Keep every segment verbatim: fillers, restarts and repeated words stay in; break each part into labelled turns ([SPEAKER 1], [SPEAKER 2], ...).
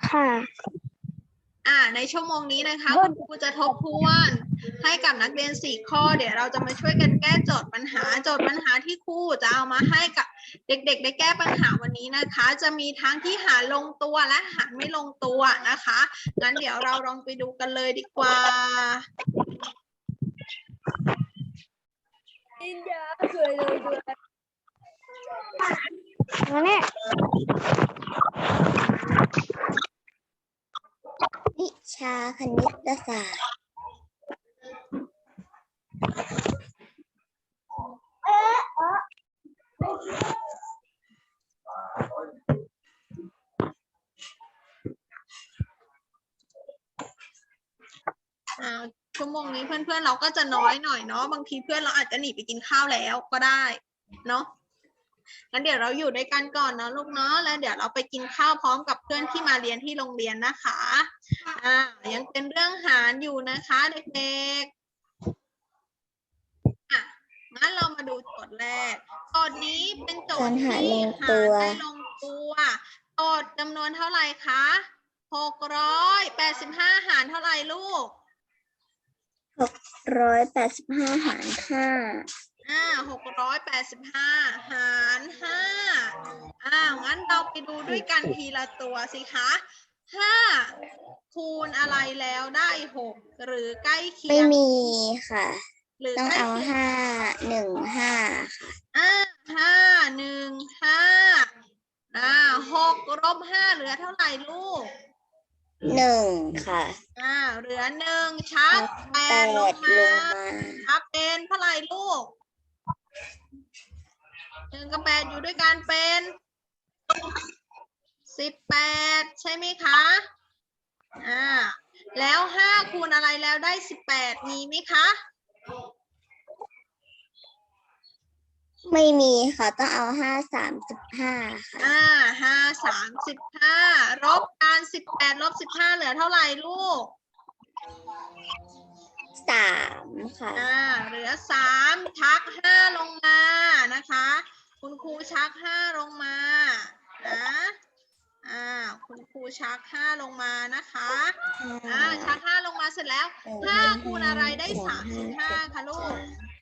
[SPEAKER 1] ค่ะ
[SPEAKER 2] อ่าในชั่วโมงนี้นะคะคุณครูจะทบทวนให้กับนักเรียนสี่ข้อเดี๋ยวเราจะมาช่วยกันแก้โจทย์ปัญหาโจทย์ปัญหาที่ครูจะเอามาให้กับเด็กๆได้แก้ปัญหาวันนี้นะคะจะมีทั้งที่หารลงตัวและหารไม่ลงตัวนะคะงั้นเดี๋ยวเราลองไปดูกันเลยดีกว่า
[SPEAKER 1] อินเดียเคยเลยด้วยนี่วิชาคณิตศาสตร์
[SPEAKER 2] อ่าชั่วโมงนี้เพื่อนๆเราก็จะน้อยหน่อยเนาะบางทีเพื่อนเราอาจจะหนีไปกินข้าวแล้วก็ได้เนาะงั้นเดี๋ยวเราอยู่ด้วยกันก่อนนะลูกเนาะแล้วเดี๋ยวเราไปกินข้าวพร้อมกับเพื่อนที่มาเรียนที่โรงเรียนนะคะอ่ายังเป็นเรื่องหารอยู่นะคะเด็กๆอ่ะงั้นเรามาดูโจทย์แรกโจทย์นี้เป็นโจทย์ที่หารได้ลงตัวโจทย์จำนวนเท่าไหร่คะหกร้อยแปดสิบห้าหารเท่าไหร่ลูก
[SPEAKER 1] หกร้อยแปดสิบห้าหารห้า
[SPEAKER 2] อ่าหกร้อยแปดสิบห้าหารห้าอ่างั้นเราไปดูด้วยกันทีละตัวสิคะห้าคูณอะไรแล้วได้หกหรือใกล้เคียง
[SPEAKER 1] ไม่มีค่ะ
[SPEAKER 2] หรือ
[SPEAKER 1] ต้อง
[SPEAKER 2] ใกล้
[SPEAKER 1] เอา
[SPEAKER 2] เคียง
[SPEAKER 1] ห้าหนึ่งห้าค่ะ
[SPEAKER 2] อ่าห้าหนึ่งห้าอ่าหกลบห้าเหลือเท่าไหร่ลูก
[SPEAKER 1] หนึ่งค่ะ
[SPEAKER 2] อ่าเหลือหนึ่งชักแป
[SPEAKER 1] แป
[SPEAKER 2] ด
[SPEAKER 1] ด
[SPEAKER 2] ล
[SPEAKER 1] ล
[SPEAKER 2] ง
[SPEAKER 1] ง
[SPEAKER 2] มา
[SPEAKER 1] มา
[SPEAKER 2] ชักเป็นเท่าไหร่ลูกหนึ่งกับแปดอยู่ด้วยกันเป็นสิบแปดใช่ไหมคะอ่าแล้วห้าคูณอะไรแล้วได้สิบแปดมีไหมคะ
[SPEAKER 1] ไม่มีค่ะต้องเอาห้าสามสิบห้าค่ะ
[SPEAKER 2] อ่าห้าสามสิบห้าลบกันสิบแปดลบสิบห้าเหลือเท่าไหร่ลูก
[SPEAKER 1] สามค่ะ
[SPEAKER 2] อ่าเหลือสามชักห้าลงมานะคะคุณครูชักห้าลงมานะอ่าคุณครูชักห้าลงมานะคะอ่าชักห้าลงมาเสร็จแล้วห้าคูณอะไรได้สามสิบห้าคะลูก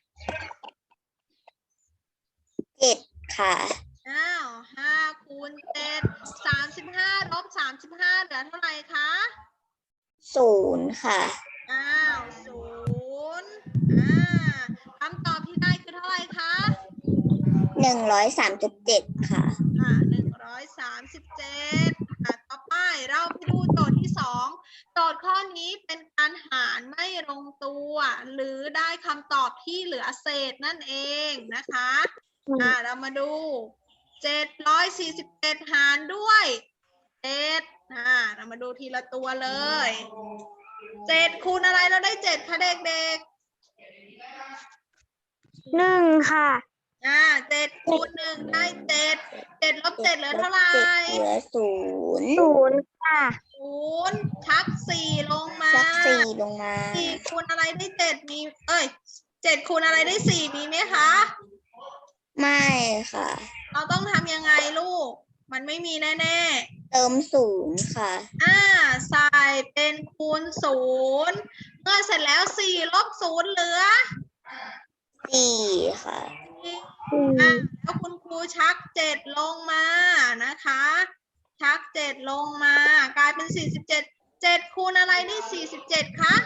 [SPEAKER 1] เจ็ดค่ะ
[SPEAKER 2] อ้าวห้าคูณเจ็ดสามสิบห้าลบสามสิบห้าเหลือเท่าไหร่คะ
[SPEAKER 1] ศูนย์ค่ะ
[SPEAKER 2] อ้าวศูนย์อ่าคำตอบที่ได้คือเท่าไหร่คะ
[SPEAKER 1] หนึ่งร้อยสามสิบเจ็ดค่ะ
[SPEAKER 2] อ่าหนึ่งร้อยสามสิบเจ็ดอ่าต่อไปเราไปดูโจทย์ที่สองโจทย์ข้อนี้เป็นการหารไม่ลงตัวหรือได้คำตอบที่เหลือเศษนั่นเองนะคะอ่าเรามาดูเจ็ดร้อยสี่สิบเจ็ดหารด้วยเจ็ดอ่าเรามาดูทีละตัวเลยเจ็ดคูณอะไรเราได้เจ็ดคะเด็ก
[SPEAKER 1] หนึ่งค่ะ
[SPEAKER 2] ๆอ่าเจ็ดคูณหนึ่งได้เจ็ดเจ็ดลบเจ็ดเหลือเท่าไหร่
[SPEAKER 1] เหลือศูนย์ศูนย์ค่ะ
[SPEAKER 2] ศูนย์ชักสี่ลงมา
[SPEAKER 1] ชักสี่ลงมา
[SPEAKER 2] สี่คูณอะไรได้เจ็ดมี เอ้ยเจ็ดคูณอะไรได้สี่มีไหมคะ
[SPEAKER 1] ไม่ค่ะ
[SPEAKER 2] เราต้องทำยังไงลูก มันไม่มีแน่ๆ
[SPEAKER 1] เติมศูนย์ค่ะ
[SPEAKER 2] อ่าใส่เป็นคูณศูนย์เมื่อเสร็จแล้วสี่ลบศูนย์เหลือ
[SPEAKER 1] สี่ค่ะ
[SPEAKER 2] อ่าแล้วคุณครูชักเจ็ดลงมานะคะ ชักเจ็ดลงมากลายเป็นสี่สิบเจ็ดเจ็ดคูณอะไรได้สี่สิบเจ็ดคะ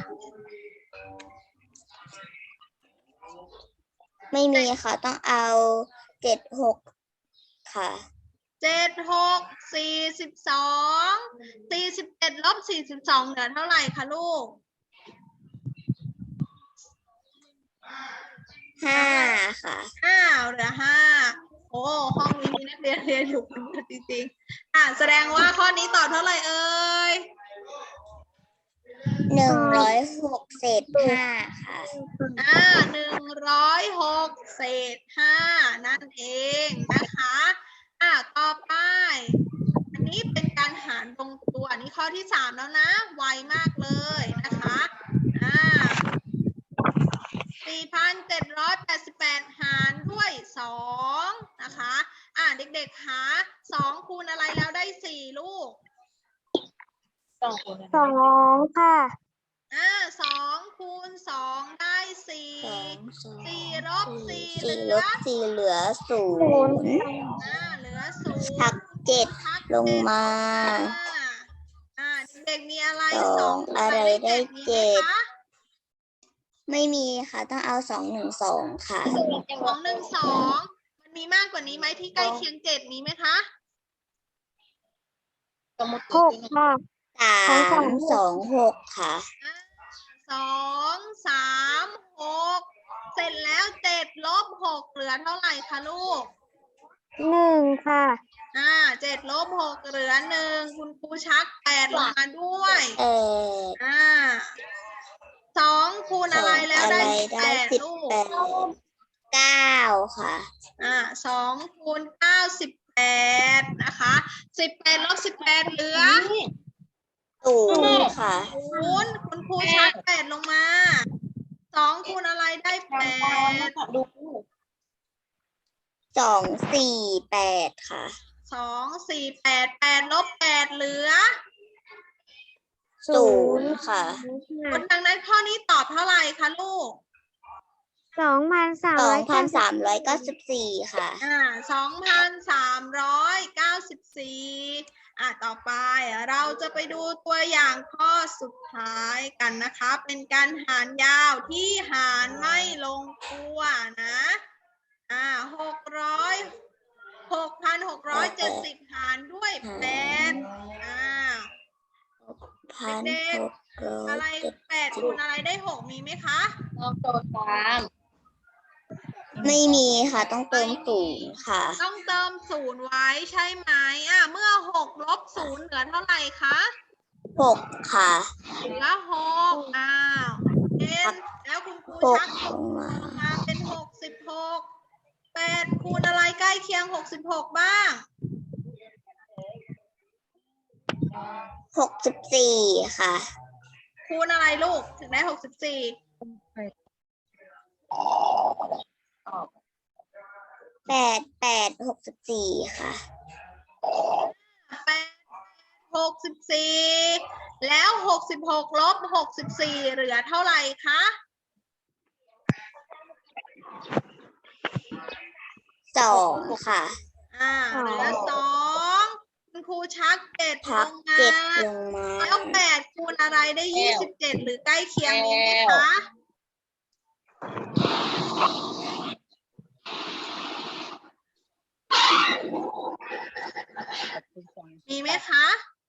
[SPEAKER 1] ไม่มีค่ะต้องเอาเจ็ดหกค่ะ
[SPEAKER 2] เจ็ดหกสี่สิบสองสี่สิบเจ็ดลบสี่สิบสองเหลือเท่าไหร่คะลูก
[SPEAKER 1] ห้าค่ะ
[SPEAKER 2] อ้าวเหลือห้าโอ้ห้องนี้มีนักเรียนเรียนอยู่กันเยอะจริงๆอ่าแสดงว่าข้อนี้ตอบเท่าไหร่เอ่ย
[SPEAKER 1] หนึ่งร้อยหกเศษห้าค่ะ
[SPEAKER 2] อ่าหนึ่งร้อยหกเศษห้านั่นเองนะคะอ่าต่อไปอันนี้เป็นการหารตรงตัวอันนี้ข้อที่สามแล้วนะไวมากเลยนะคะอ่าสี่พันเจ็ดร้อยแปดสิบแปดหารด้วยสองนะคะอ่าเด็กๆหาสองคูณอะไรแล้วได้สี่ลูก
[SPEAKER 3] สองคูณ
[SPEAKER 1] สองค่ะ
[SPEAKER 2] อ่าสองคูณสองได้สี่
[SPEAKER 1] สองสอง
[SPEAKER 2] สี่ลบสี่เห
[SPEAKER 1] สี่
[SPEAKER 2] ลื
[SPEAKER 1] ล
[SPEAKER 2] อบ
[SPEAKER 1] สี่เหลือศูนย์
[SPEAKER 2] อ่าเหลือศูนย์
[SPEAKER 1] หักเจ็ด
[SPEAKER 2] หัก
[SPEAKER 1] ลง
[SPEAKER 2] เจ็ด
[SPEAKER 1] มา
[SPEAKER 2] อ่าเด็กๆมีอะไร
[SPEAKER 1] ส
[SPEAKER 2] ส
[SPEAKER 1] อ
[SPEAKER 2] อง งคูณ
[SPEAKER 1] อะไรได้
[SPEAKER 2] มี
[SPEAKER 1] เจ็
[SPEAKER 2] ไหม
[SPEAKER 1] ด
[SPEAKER 2] คะ
[SPEAKER 1] ไม่มีค่ะ ต้องเอาสองหนึ่งสองค่ะ
[SPEAKER 2] สองหนึ่งสองมันมีมากกว่านี้ไหมที่ใกล้เคียงเจ็ดมีไหมคะ
[SPEAKER 3] หกค่ะ
[SPEAKER 1] สามสองหกค่ะ
[SPEAKER 2] อ่าสองสามหกเสร็จแล้วเจ็ดลบหกเหลือเท่าไหร่คะลูก
[SPEAKER 1] หนึ่งค่ะ
[SPEAKER 2] อ่าเจ็ดลบหกเหลือหนึ่งคุณครูชักแปดลงมาด้วย
[SPEAKER 1] เออ
[SPEAKER 2] อ่าสองคูณอะไรแล้วได้สิบแปด
[SPEAKER 1] สิบ
[SPEAKER 2] ลูก
[SPEAKER 1] แปด เก้าค่ะ
[SPEAKER 2] อ่าสองคูณเก้าสิบแปดนะคะสิบแปดลบสิบแปดเหลือ
[SPEAKER 1] ศูนย์ค่ะ
[SPEAKER 2] ศูนย์คุณครูชักแปดลงมาสองคูณอะไรได้แปด
[SPEAKER 3] ดู
[SPEAKER 1] สองสี่แปดค่ะ
[SPEAKER 2] สองสี่แปดแปดลบแปดเหลือ
[SPEAKER 1] ศูนย์ค่ะ
[SPEAKER 2] คนดังนั้นข้อนี้ตอบเท่าไหร่คะลูก
[SPEAKER 1] สองพันสามร้อยเก้าสิบสี่ค่ะ
[SPEAKER 2] อ่าสองพันสามร้อยเก้าสิบสี่อ่าต่อไปเราจะไปดูตัวอย่างข้อสุดท้ายกันนะคะ เป็นการหารยาวที่หารไม่ลงตัวนะอ่าหกร้อยหกพันหกร้อยเจ็ดสิบหารด้วยแปดอ่า
[SPEAKER 1] พัน
[SPEAKER 2] เด็ก
[SPEAKER 1] หกร้อ
[SPEAKER 2] อะไร
[SPEAKER 1] ยเจ็ด
[SPEAKER 2] แปดคูณอะไรได้หกมีไหมคะ
[SPEAKER 3] ลองโจทย์ตาม
[SPEAKER 1] ไม่มีค่ะ ต้องเติมศูนย์ค่ะ
[SPEAKER 2] ต้องเติมศูนย์ไว้ใช่ไหมอ่ะเมื่อหกลบศูนย์เหลือเท่าไหร่คะ
[SPEAKER 1] หกค่ะ
[SPEAKER 2] เหลือหกอ้าวเอ็นแล้วคุณครู
[SPEAKER 1] หก
[SPEAKER 2] ชัก
[SPEAKER 1] ลงมา
[SPEAKER 2] ลงมาเป็นหกสิบหกแปดคูณอะไรใกล้เคียงหกสิบหกบ้าง
[SPEAKER 1] หกสิบสี่ค่ะ
[SPEAKER 2] คูณอะไรลูกถึงได้หกสิบสี่
[SPEAKER 1] แปด แปด หกสิบสี่ค่ะ
[SPEAKER 2] แปดหกสิบสี่แล้วหกสิบหกลบหกสิบสี่เหลือเท่าไหร่คะ
[SPEAKER 1] สองค่ะ
[SPEAKER 2] อ่าเหลือสองคุณครูชักเจ็ดล
[SPEAKER 1] พัก
[SPEAKER 2] งมา
[SPEAKER 1] เจ็ดลงมา
[SPEAKER 2] แล้วแปดคูณอะไรได้ยี่สิบเจ็ดหรือใกล้เคียงมีไหมคะ มีไหมคะ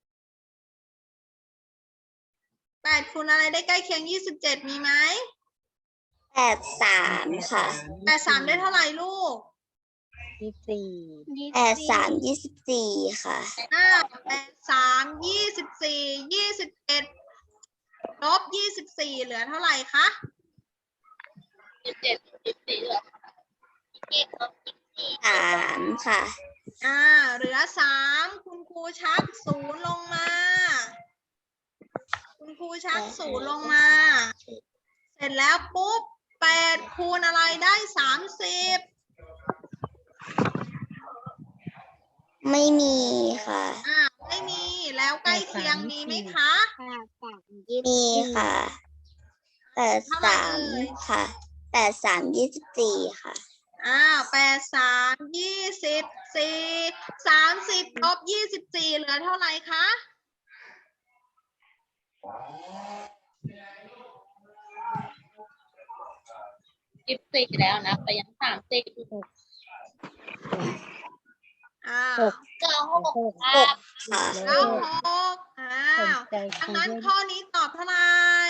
[SPEAKER 2] แปดคูณอะไรได้ใกล้เคียงยี่สิบเจ็ดมีไหม
[SPEAKER 1] แปด สามค่ะ
[SPEAKER 2] แปดสามได้เท่าไหร่ลูก
[SPEAKER 3] ยี่สิบสี่
[SPEAKER 1] แปด สาม ยี่สิบสี่ค่ะ
[SPEAKER 2] อ่าแปดสามยี่สิบสี่ยี่สิบเอ็ดลบยี่สิบสี่เหลือเท่าไหร่คะ
[SPEAKER 3] ยี่สิบเจ็ดยี่สิบสี่เหรอ
[SPEAKER 1] สามค่ะ
[SPEAKER 2] อ่าเหลือสามคุณครูชักศูนย์ลงมา คุณครูชักศูนย์ลงมา เสร็จแล้วปุ๊บแปดคูณอะไรได้สามสิบ
[SPEAKER 1] ไม่มีค่ะ
[SPEAKER 2] อ่าไม่มีแล้วใกล้เคียงมีไหมคะ
[SPEAKER 1] มีค่ะแปด สามค่ะแปด สาม ยี่สิบสี่ค่ะ
[SPEAKER 2] อ้าวแปดสามยี่สิบสี่สามสิบลบยี่สิบสี่เหลือเท่าไหร่คะ
[SPEAKER 3] ยี่สิบสี่แล้วนะแต่ยังสามสิบ
[SPEAKER 2] อ้าว
[SPEAKER 3] เก้าหก
[SPEAKER 1] หกค่ะ
[SPEAKER 2] เก้าหกอ้าวดังนั้นข้อนี้ตอบเท่าไหร่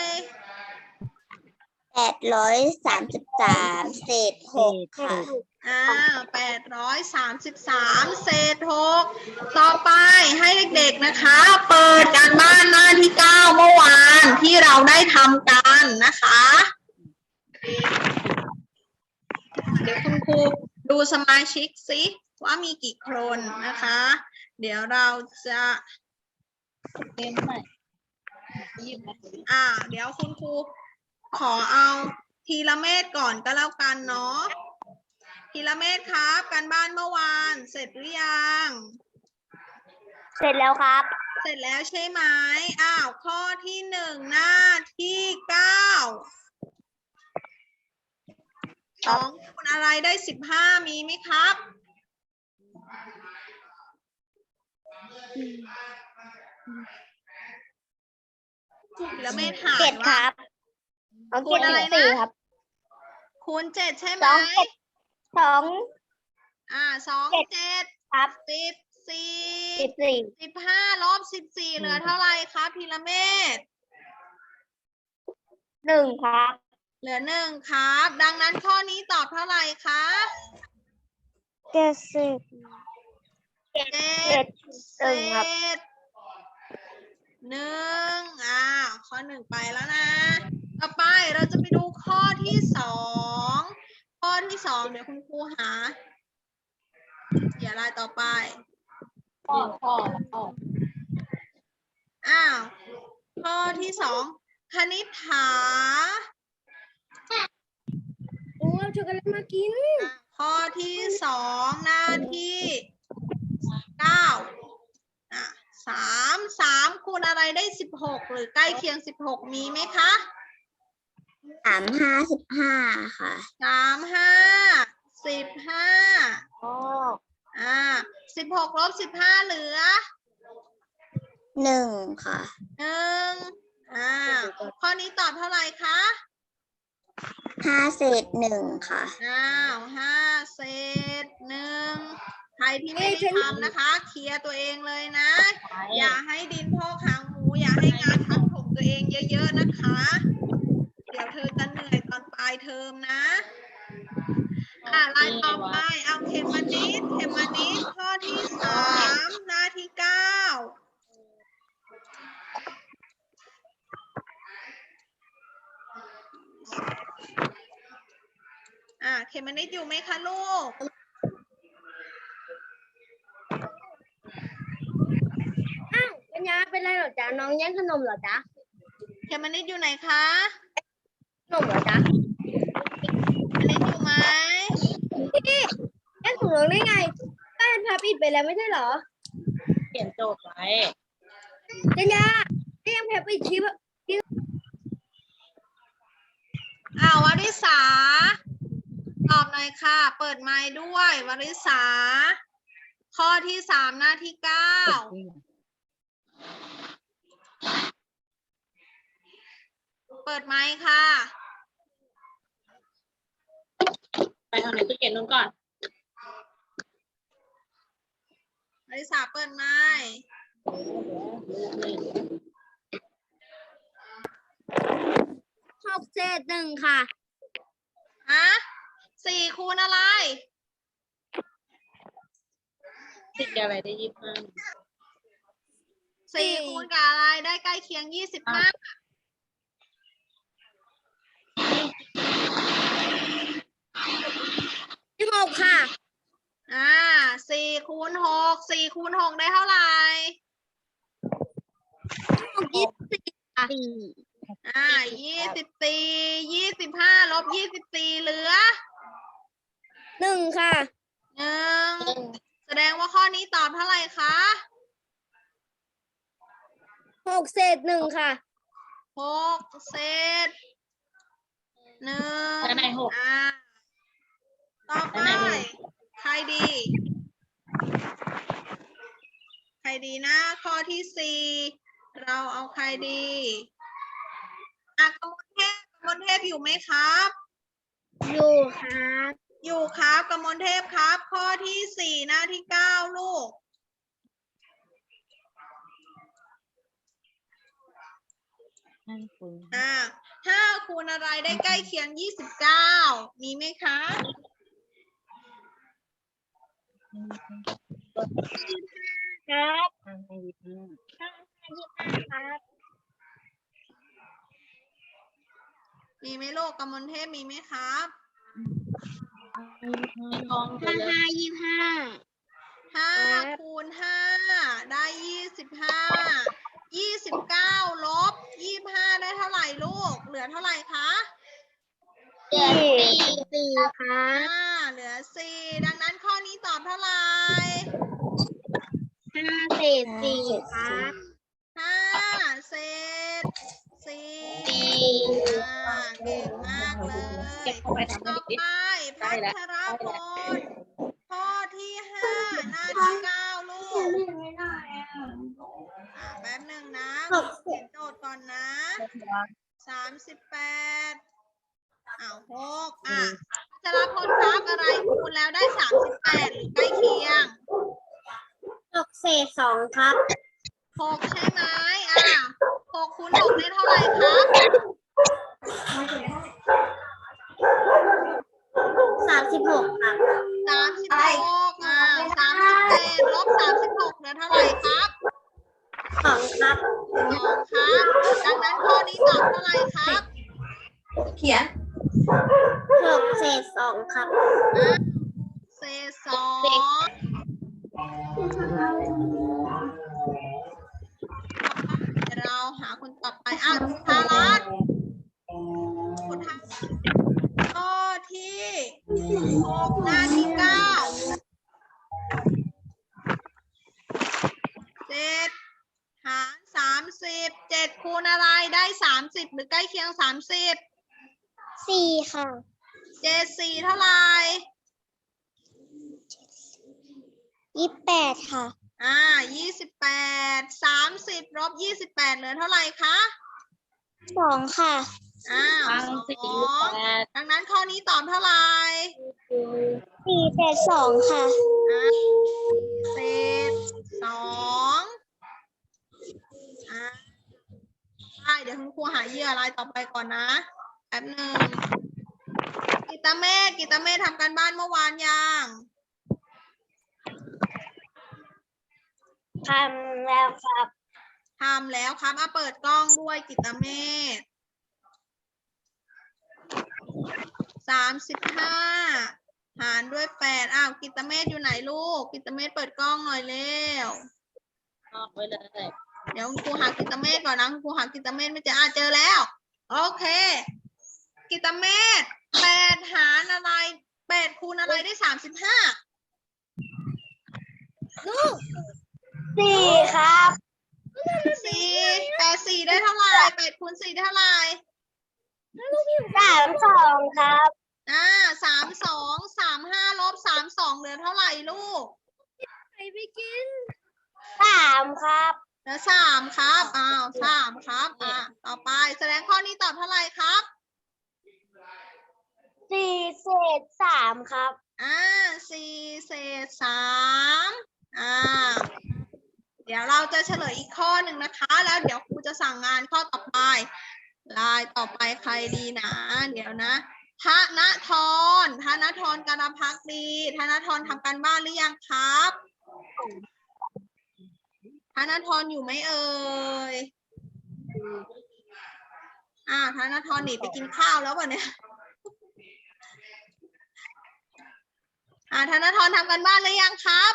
[SPEAKER 1] แปดร้อยสามสิบสามเศษหกค่ะ
[SPEAKER 2] อ้าวแปดร้อยสามสิบสามเศษหกต่อไปให้เด็กๆนะคะ เปิดการบ้านหน้าที่เก้าเมื่อวานที่เราได้ทำกันนะคะ เดี๋ยวคุณครูดูสมาชิกสิว่ามีกี่คนนะคะ เดี๋ยวเราจะ
[SPEAKER 3] เรียนใหม่ยี่สิบ
[SPEAKER 2] อ่า เดี๋ยวคุณครูขอเอาทีละเมตรก่อนก็แล้วกันเนาะทีละเมตรครับการบ้านเมื่อวานเสร็จหรือยัง
[SPEAKER 1] เสร็จแล้วครับ
[SPEAKER 2] เสร็จแล้วใช่ไหมอ้าวข้อที่หนึ่งหน้าที่เก้าสองคูณอะไรได้สิบห้ามีไหมครับแล้วไม่ถาม
[SPEAKER 1] เจ็ดค
[SPEAKER 2] ว่า
[SPEAKER 1] รับเอา
[SPEAKER 2] คู
[SPEAKER 1] เจ็
[SPEAKER 2] ณ
[SPEAKER 1] ด
[SPEAKER 2] อะไร
[SPEAKER 1] สิบ
[SPEAKER 2] นะ
[SPEAKER 1] สี่ครับ
[SPEAKER 2] คูณเจ็ดใช่ไห
[SPEAKER 1] ส
[SPEAKER 2] ม
[SPEAKER 1] องเจ็ดสอง
[SPEAKER 2] อ่าสอง
[SPEAKER 1] เจ็ด
[SPEAKER 2] เจ็ด
[SPEAKER 1] ครับ
[SPEAKER 2] สิบสี่
[SPEAKER 1] สิบสี่
[SPEAKER 2] สิบห้าลบสิบสี่เหลือเท่าไหร่ครับพีระเมศ
[SPEAKER 1] หนึ่งครับ
[SPEAKER 2] เหลือหนึ่งครับ ดังนั้นข้อนี้ตอบเท่าไหร่คะ
[SPEAKER 1] เจ็ดสิบ
[SPEAKER 2] เจ็
[SPEAKER 1] เจ็
[SPEAKER 2] ด
[SPEAKER 1] ด
[SPEAKER 2] เศ
[SPEAKER 1] หนึ่งครับ
[SPEAKER 2] ษหนึ่งอ่าข้อหนึ่งไปแล้วนะ ต่อไปเราจะไปดูข้อที่สองข้อที่สองเดี๋ยวคุณครูหาเดี๋ยวอะไรต่อไป
[SPEAKER 3] พ่อพ่อพ่อ
[SPEAKER 2] อ้าว ข้อที่สองคณิษฐา
[SPEAKER 1] โอ้ช็อกโกแลตมากิน
[SPEAKER 2] อ่ะข้อที่สองหน้าที่เก้าอ่ะสามสามคูณอะไรได้สิบหกหรือใกล้เคียงสิบหกมีไหมคะ
[SPEAKER 1] สามห้าสิบห้าค่ะ
[SPEAKER 2] สามห้าสิบห้า
[SPEAKER 1] โอ้
[SPEAKER 2] อ่าสิบหกลบสิบห้าเหลือ
[SPEAKER 1] หนึ่งค่ะ
[SPEAKER 2] หนึ่งอ่าข้อนี้ตอบเท่าไหร่คะ
[SPEAKER 1] ห้าเศษหนึ่งค่ะ
[SPEAKER 2] อ้าวห้าเศษหนึ่งใครที่ไม่ได้ทำนะคะ เคลียร์ตัวเองเลยนะ อย่าให้ดินพอกหางหมู อย่าให้งานทับถมตัวเองเยอะๆนะคะ เดี๋ยวเธอจะเหนื่อยตอนปลายเทอมนะ อ่าลายต่อไปเอาเขมมานิดเขมมานิดข้อที่สามหน้าที่เก้าอ่าเขมมานิดอยู่ไหมคะลูก
[SPEAKER 1] ปัญญาเป็นไรเหรอจ๊ะ น้องแย่งขนมเหรอจ๊ะ
[SPEAKER 2] เขมมานิดอยู่ไหนคะ
[SPEAKER 1] ขนมเหรอจ๊ะ
[SPEAKER 2] เขมมานิดอยู่ไหม
[SPEAKER 1] พี่แย่งของน้องได้ไงก็ยันพาปิดไปแล้วไม่ใช่เหรอ
[SPEAKER 3] เขียนโจทย์ไว้
[SPEAKER 1] ปัญญาก็ยังแพปิดคลิป
[SPEAKER 2] อ้าววริษาตอบหน่อยค่ะ เปิดไมค์ด้วยวริษา ข้อที่สามหน้าที่เก้าเปิดไมค์ค่ะ
[SPEAKER 3] ไปทางไหนตู้เย็นนู้นก่อน
[SPEAKER 2] วริษาเปิดไมค์
[SPEAKER 1] หกเศษหนึ่งค่ะ
[SPEAKER 2] ฮะสี่คูณอะไร
[SPEAKER 3] ติดอะไรได้ยี่สิบห้า
[SPEAKER 2] สี่คูณกับอะไรได้ใกล้เคียงยี่สิบห้า
[SPEAKER 1] สิบหกค่ะ
[SPEAKER 2] อ่าสี่คูณหกสี่คูณหกได้เท่าไหร่
[SPEAKER 1] ยี่สิบสี่ค่ะ
[SPEAKER 2] อ่ายี่สิบสี่ยี่สิบห้าลบยี่สิบสี่เหลือ
[SPEAKER 1] หนึ่งค่ะ
[SPEAKER 2] หนึ่งแสดงว่าข้อนี้ตอบเท่าไหร่คะ
[SPEAKER 1] หกเศษหนึ่งค่ะ
[SPEAKER 2] หกเศษหนึ่ง
[SPEAKER 3] แล้วไหนหก
[SPEAKER 2] อ่าต่อไป
[SPEAKER 3] แล้วไหนหนึ่ง
[SPEAKER 2] ใครดี ใครดีนะ ข้อที่สี่เราเอาใครดีอ่ะกมลเทพกมลเทพอยู่ไหมครับ
[SPEAKER 1] อยู่ครับ
[SPEAKER 2] อยู่ครับกมลเทพครับ ข้อที่สี่หน้าที่เก้าลูก
[SPEAKER 3] นั่นคุณ
[SPEAKER 2] อ่าห้าคูณอะไรได้ใกล้เคียงยี่สิบเก้ามีไหมคะ
[SPEAKER 1] ครับ
[SPEAKER 3] ห้าให้ยี่สิบห้า
[SPEAKER 1] ห้ายี่สิบห้าครับ
[SPEAKER 2] มีไหมลูกกมลเทพมีไหมครับ
[SPEAKER 3] ในกองไป
[SPEAKER 1] ห้า
[SPEAKER 3] เลย
[SPEAKER 1] ห้ายี่สิบห้า
[SPEAKER 2] ห้า
[SPEAKER 1] ครับ
[SPEAKER 2] คูณห้าได้ยี่สิบห้ายี่สิบเก้าลบยี่สิบห้าได้เท่าไหร่ลูก เหลือเท่าไหร่คะ
[SPEAKER 1] สี่สี่ครั
[SPEAKER 2] อ่า
[SPEAKER 1] บ
[SPEAKER 2] เหลือสี่ดังนั้นข้อนี้ตอบเท่าไหร่
[SPEAKER 1] ห้าเศษสี่ครับ
[SPEAKER 2] อ่าเก่งมากเลย
[SPEAKER 3] เก็บเข้าไปทำให้
[SPEAKER 2] ต่อ
[SPEAKER 3] เด็กดิ
[SPEAKER 2] ไป
[SPEAKER 3] ได้
[SPEAKER 2] พั
[SPEAKER 3] แล้ว
[SPEAKER 2] ชรพลข้อที่ห้าหน้าที่เก้าลูกอ่าแป๊บหนึ่งนะเขียนโจทย์ก่อนนะสามสิบแปดอ้าวหกอ่ะพัชรพลครับอะไรคูณแล้วได้สามสิบแปดหรือใกล้เคียง
[SPEAKER 1] หกเศษสองครับ
[SPEAKER 2] หกใช่ไหมอ่ะหกคูณหกได้เท่าไหร่ครับ
[SPEAKER 1] สามสิบหกครับ
[SPEAKER 2] สามสิบหกอ่าสามสิบเจ็ดลบสามสิบหกเหลือเท่าไหร่ครับ
[SPEAKER 1] สองครับ
[SPEAKER 2] สองครับ ดังนั้นข้อนี้ตอบเท่าไหร่ครับ
[SPEAKER 3] เขียน
[SPEAKER 1] หกเศษสองครับ
[SPEAKER 2] อ่ะเศษสองเราหาคนต่อไปอ่ะจุธารัตน์จุธาข้อที่หกหน้าที่เก้าเจ็ดหารสามสิบเจ็ดคูณอะไรได้สามสิบหรือใกล้เคียงสามสิบ
[SPEAKER 1] สี่ค่ะ
[SPEAKER 2] เจ็ดสี่เท่าไหร่
[SPEAKER 1] ยี่สิบแปดค่ะ
[SPEAKER 2] อ่ายี่สิบแปดสามสิบลบยี่สิบแปดเหลือเท่าไหร่คะ
[SPEAKER 1] สองค่ะ
[SPEAKER 2] อ้าว
[SPEAKER 3] ฟัง
[SPEAKER 2] ส
[SPEAKER 3] สี่
[SPEAKER 2] อง
[SPEAKER 3] แปด
[SPEAKER 2] ดังนั้นข้อนี้ตอบเท่าไหร่
[SPEAKER 1] สี่เศษสองค่ะ
[SPEAKER 2] อ่าเศษสองอ่าได้เดี๋ยวคุณครูหาเหยื่อรายต่อไปก่อนนะแป๊บหนึ่งกิตเมธกิตเมธทำการบ้านเมื่อวานยัง
[SPEAKER 1] ทำแล้วครับ
[SPEAKER 2] ทำแล้วครับอ่ะเปิดกล้องด้วยกิตเมธสามสิบห้าหารด้วยแปดอ้าวกิตเมธอยู่ไหนลูกกิตเมธเปิดกล้องหน่อยเร็ว
[SPEAKER 3] ออกไปเลย
[SPEAKER 2] เดี๋ยวคุณครูหากิตเมธก่อนนะคุณครูหากิตเมธไม่เจออ่ะเจอแล้ว โอเค กิตเมธแปดหารอะไรแปดคูณอะไรได้สามสิบห้า
[SPEAKER 1] สี่ครับ
[SPEAKER 2] สี่แปดสี่ได้เท่าไหร่แปดคูณสี่ได้เท่าไหร่
[SPEAKER 1] สามสองครับ
[SPEAKER 2] อ่าสามสองสามห้าลบสามสองเหลือเท่าไหร่ลูก
[SPEAKER 1] สามครับ
[SPEAKER 2] เหลือสามครับอ้าวสามครับอ่าต่อไปแสดงข้อนี้ตอบเท่าไหร่ครับ
[SPEAKER 1] สี่เศษสามครับ
[SPEAKER 2] อ่าสี่เศษสามอ่าเดี๋ยวเราจะเฉลยอีกข้อหนึ่งนะคะ แล้วเดี๋ยวครูจะสั่งงานข้อต่อไปลายต่อไปใครดีนะ เดี๋ยวนะธนทรธนทรการพักดีธนทรทำการบ้านหรือยังครับธนทรอยู่ไหมเอ่ยอ่าธนทรหนีไปกินข้าวแล้ววะเนี่ยอ่าธนทรทำการบ้านหรือยังครับ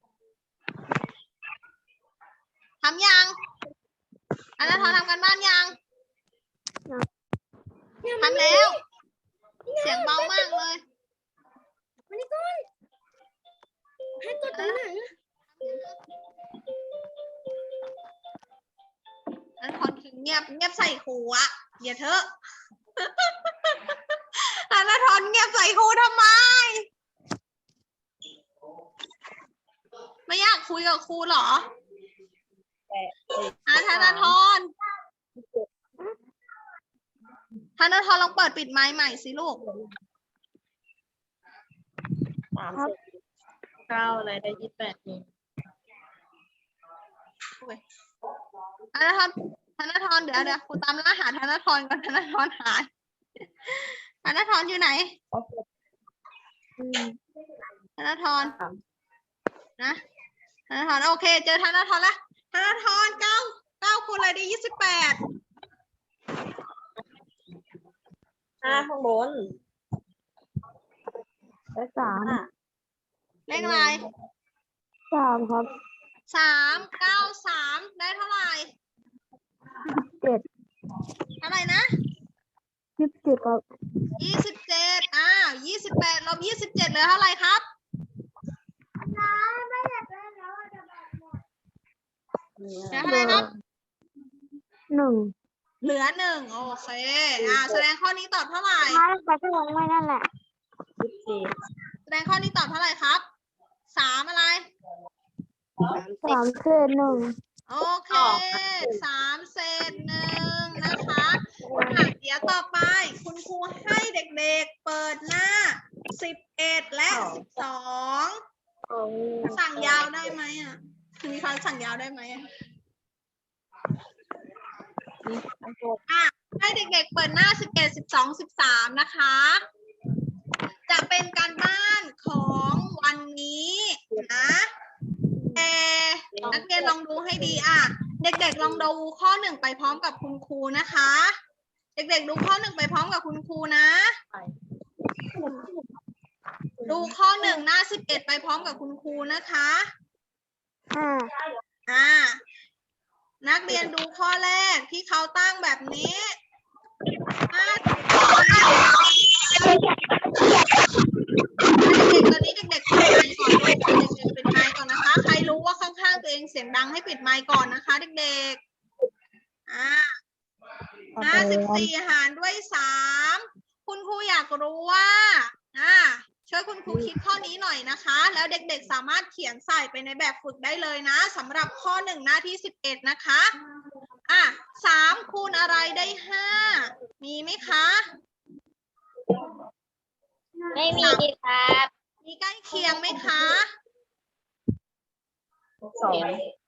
[SPEAKER 2] ทำยังธนทรทำการบ้านยังทำแล้ว เสียงเบามากเลยให้กดตรงไหนธนทรคือเงียบเงียบใส่ครูอะอย่าเถอะธนทรเงียบใส่ครูทำไมไม่อยากคุยกับครูเหรออ่ะธนทรธนทรลองเปิดปิดไมค์ใหม่สิลูก
[SPEAKER 3] สามสิบเก้าอะไรได้ยี่สิบแปดเอง
[SPEAKER 2] ธนทรธนทรเดี๋ยวเดี๋ยวครูตามล่าหาธนทรก่อนธนทรหายธนทรอยู่ไหนธนทรนะธนทรโอเคเจอธนทรแล้วธนทรเก้าเก้าคูณอะไรได้ยี่สิบแปด
[SPEAKER 3] ห้าข้างบนได้สาม
[SPEAKER 2] เลขอะไร
[SPEAKER 3] สามครับ
[SPEAKER 2] สามเก้าสามได้เท่าไหร่
[SPEAKER 3] เจ็ด
[SPEAKER 2] เท่าไหร่นะ
[SPEAKER 3] ยี่สิบเจ็ดครับ
[SPEAKER 2] ยี่สิบเจ็ดอ้าวยี่สิบแปดลบยี่สิบเจ็ดเหลือเท่าไหร่ครับเหลือเท่าไหร่ครับ
[SPEAKER 3] หนึ่ง
[SPEAKER 2] เหลือหนึ่งโอเคอ่าแสดงข้อนี้ตอบเท่าไหร่
[SPEAKER 1] ถ้าเราจะลงไว้นั่นแหละ
[SPEAKER 2] แสดงข้อนี้ตอบเท่าไหร่ครับสามอะไร
[SPEAKER 1] สามเศษหนึ่ง
[SPEAKER 2] โอเคสามเศษหนึ่งนะคะอ่ะเดี๋ยวต่อไปคุณครูให้เด็กๆเปิดหน้าสิบเอ็ดและสิบสองสั่งยาวได้ไหมอ่ะมีใครสั่งยาวได้ไหมอ่ะอ่ะให้เด็กๆเปิดหน้าสิบเอ็ดสิบสองสิบสามนะคะจะเป็นการบ้านของวันนี้นะแต่นักเรียนลองดูให้ดีอ่ะเด็กๆลองดูข้อหนึ่งไปพร้อมกับคุณครูนะคะ เด็กๆดูข้อหนึ่งไปพร้อมกับคุณครูนะ ดูข้อหนึ่งหน้าสิบเอ็ดไปพร้อมกับคุณครูนะคะอ่านักเรียนดูข้อแรกที่เขาตั้งแบบนี้ห้าสิบเด็กๆตอนนี้เด็กๆปิดไมค์ก่อนลูกเด็กๆปิดไมค์ก่อนนะคะ ใครรู้ว่าข้างๆตัวเองเสียงดังให้ปิดไมค์ก่อนนะคะเด็กๆอ่าห้าสิบสี่หารด้วยสามคุณครูอยากรู้ว่าอ่าช่วยคุณครูคิดข้อนี้หน่อยนะคะ แล้วเด็กๆสามารถเขียนใส่ไปในแบบฝึกได้เลยนะสำหรับข้อหนึ่งหน้าที่สิบเอ็ดนะคะอ่ะสามคูณอะไรได้ห้ามีไหมคะ
[SPEAKER 1] ไม่มีครับ
[SPEAKER 2] มีใกล้เคียงไหมคะ
[SPEAKER 3] สอง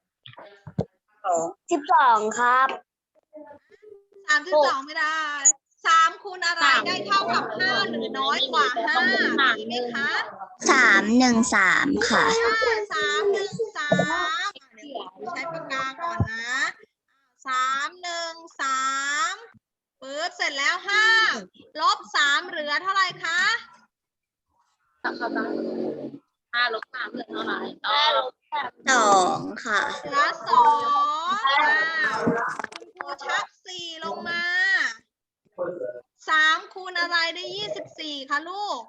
[SPEAKER 1] สิบสองครับ
[SPEAKER 2] สามสิบสองไม่ได้สามคูณอะไรได้เท่ากับห้าหรือน้อยกว่าห้ามีไหมคะ
[SPEAKER 1] สามหนึ่งสามค่ะ
[SPEAKER 2] สามหนึ่งสามใช้ปากกาก่อนนะสามหนึ่งสามปึ๊บเสร็จแล้วห้าลบสามเหลือเท่าไหร่คะ
[SPEAKER 3] ห้าลบสามเหลือเท่าไหร่
[SPEAKER 1] สองค่ะ
[SPEAKER 2] เหลือสองคุณครูชักสี่ลงมาสามคูณอะไรได้ยี่สิบสี่คะลูก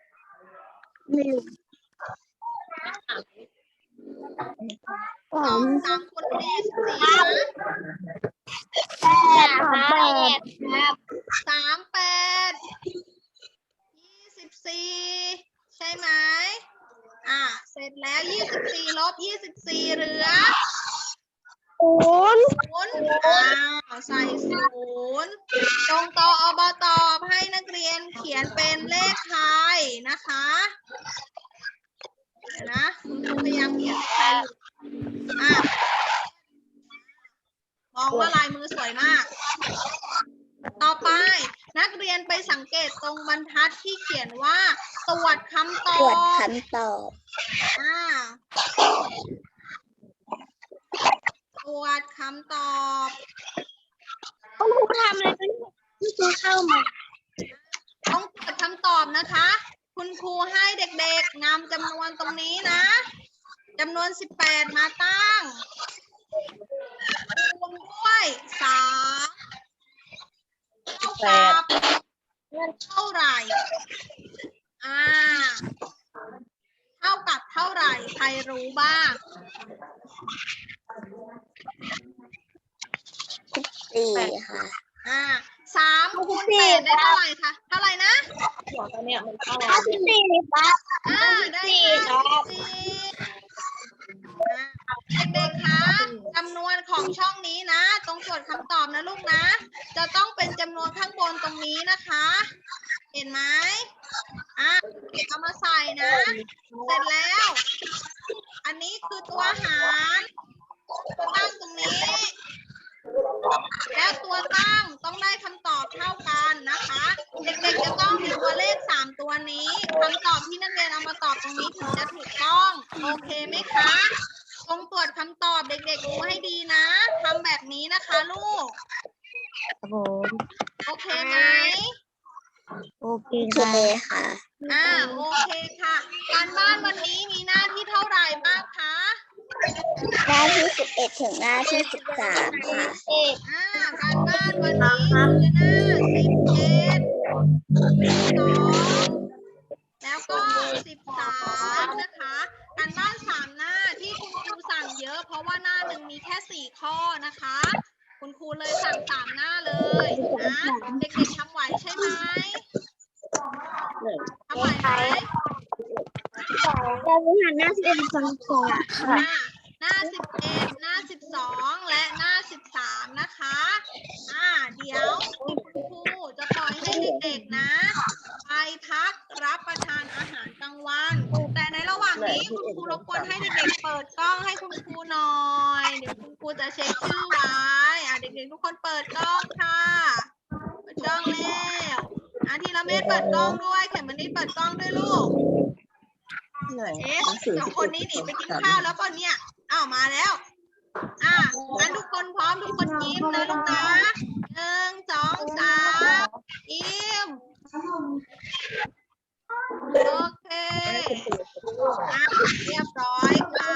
[SPEAKER 2] สองสามคูณได้ยี่สิบสี่นะสามแปดยี่สิบสี่ใช่ไหมอ่ะเสร็จแล้วยี่สิบสี่ลบยี่สิบสี่เหลือ
[SPEAKER 1] ศูนย์
[SPEAKER 2] ศูนย์อ้าวใส่ศูนย์ตรงต่ออบตอบให้นักเรียนเขียนเป็นเลขไทยนะคะเดี๋ยวนะคุณครูพยายามเขียนเลขไทยอ่ะมองว่าลายมือสวยมาก ต่อไปนักเรียนไปสังเกตตรงบรรทัดที่เขียนว่าตรวจคำต
[SPEAKER 1] ต
[SPEAKER 2] อ
[SPEAKER 1] รวจ
[SPEAKER 2] บ
[SPEAKER 1] คำตอบ
[SPEAKER 2] อ่าตรวจคำตอบ
[SPEAKER 1] คุณครูทำอะไรกันคุณครูเข้ามา
[SPEAKER 2] ต้องตรวจคำตอบนะคะ คุณครูให้เด็กๆนำจำนวนตรงนี้นะจำนวนสิบแปดมาตั้งคูณด้วยสามเท่ากับเท่าไหร่อ่าเท่ากับเท่าไหร่ใครรู้บ้าง
[SPEAKER 1] สี่ค่ะ
[SPEAKER 2] อ่าสามคูณแปดได้เท่าไหร่คะเท่าไหร่นะ
[SPEAKER 3] หัวตัวเนี้ยมันเข้า
[SPEAKER 1] ห้าสิบสี่ครับ
[SPEAKER 2] อ่าได้ห้าสิบสี่อ่าเด็กๆคะจำนวนของช่องนี้นะตรงตรวจคำตอบนะลูกนะ จะต้องเป็นจำนวนข้างบนตรงนี้นะคะ เห็นไหมอ่าเอามาใส่นะ เสร็จแล้ว อันนี้คือตัวหารตัวตั้งตรงนี้ แล้วตัวตั้งต้องได้คำตอบเท่ากันนะคะ เด็กๆจะต้องมีตัวเลขสามตัวนี้คำตอบที่นักเรียนเอามาตอบตรงนี้ถึงจะถูกต้องโอเคไหมคะตรงตรวจคำตอบเด็กๆดูให้ดีนะทำแบบนี้นะคะลูก
[SPEAKER 1] ครับผม
[SPEAKER 2] โอเคไหม
[SPEAKER 1] โอเคค่ะ
[SPEAKER 2] อ่าโอเคค่ะ การบ้านวันนี้มีหน้าที่เท่าไหร่บ้างคะ
[SPEAKER 1] หน้าที่สิบเอ็ดถึงหน้าที่สิบสามค่ะ
[SPEAKER 2] อ่าการบ้านวันนี้คือหน้าสิบเอ็ดสิบสองแล้วก็สิบสามนะคะ การบ้านสามหน้าที่คุณครูสั่งเยอะเพราะว่าหน้าหนึ่งมีแค่สี่ข้อนะคะ คุณคุณครูเลยสั่งสามหน้าเลยนะเด็กๆทำไหวใช่ไหมทำไหวไหม
[SPEAKER 1] เราจะหันหน้าสิบเอ็ดฟังก่อน
[SPEAKER 2] ห
[SPEAKER 1] ค่ะ
[SPEAKER 2] น้าหน้าสิบเอ็ดหน้าสิบสองและหน้าสิบสามนะคะอ่าเดี๋ยวคุณครูจะปล่อยให้เด็กๆนะไปพักรับประทานอาหารกลางวัน แต่ในระหว่างนี้คุณครูรบกวนให้เด็กๆเปิดกล้องให้คุณครูหน่อยเดี๋ยวคุณครูจะเช็คชื่อไว้อ่าเด็กๆทุกคนเปิดกล้องค่ะเปิดกล้องแล้วอ่าทีละเม็ดเปิดกล้องด้วยเข็มมันนี่เปิดกล้องด้วยลูก เอ๊ะเดี๋ยวคนนี้หนีไปกินข้าวแล้วป่ะเนี่ย อ้าวมาแล้ว อ่ะงั้นทุกคนพร้อมทุกคนยิ้มเลยลูกนะหนึ่งสองสามยิ้ม โอเค อ่ะเรียบร้อยค่ะ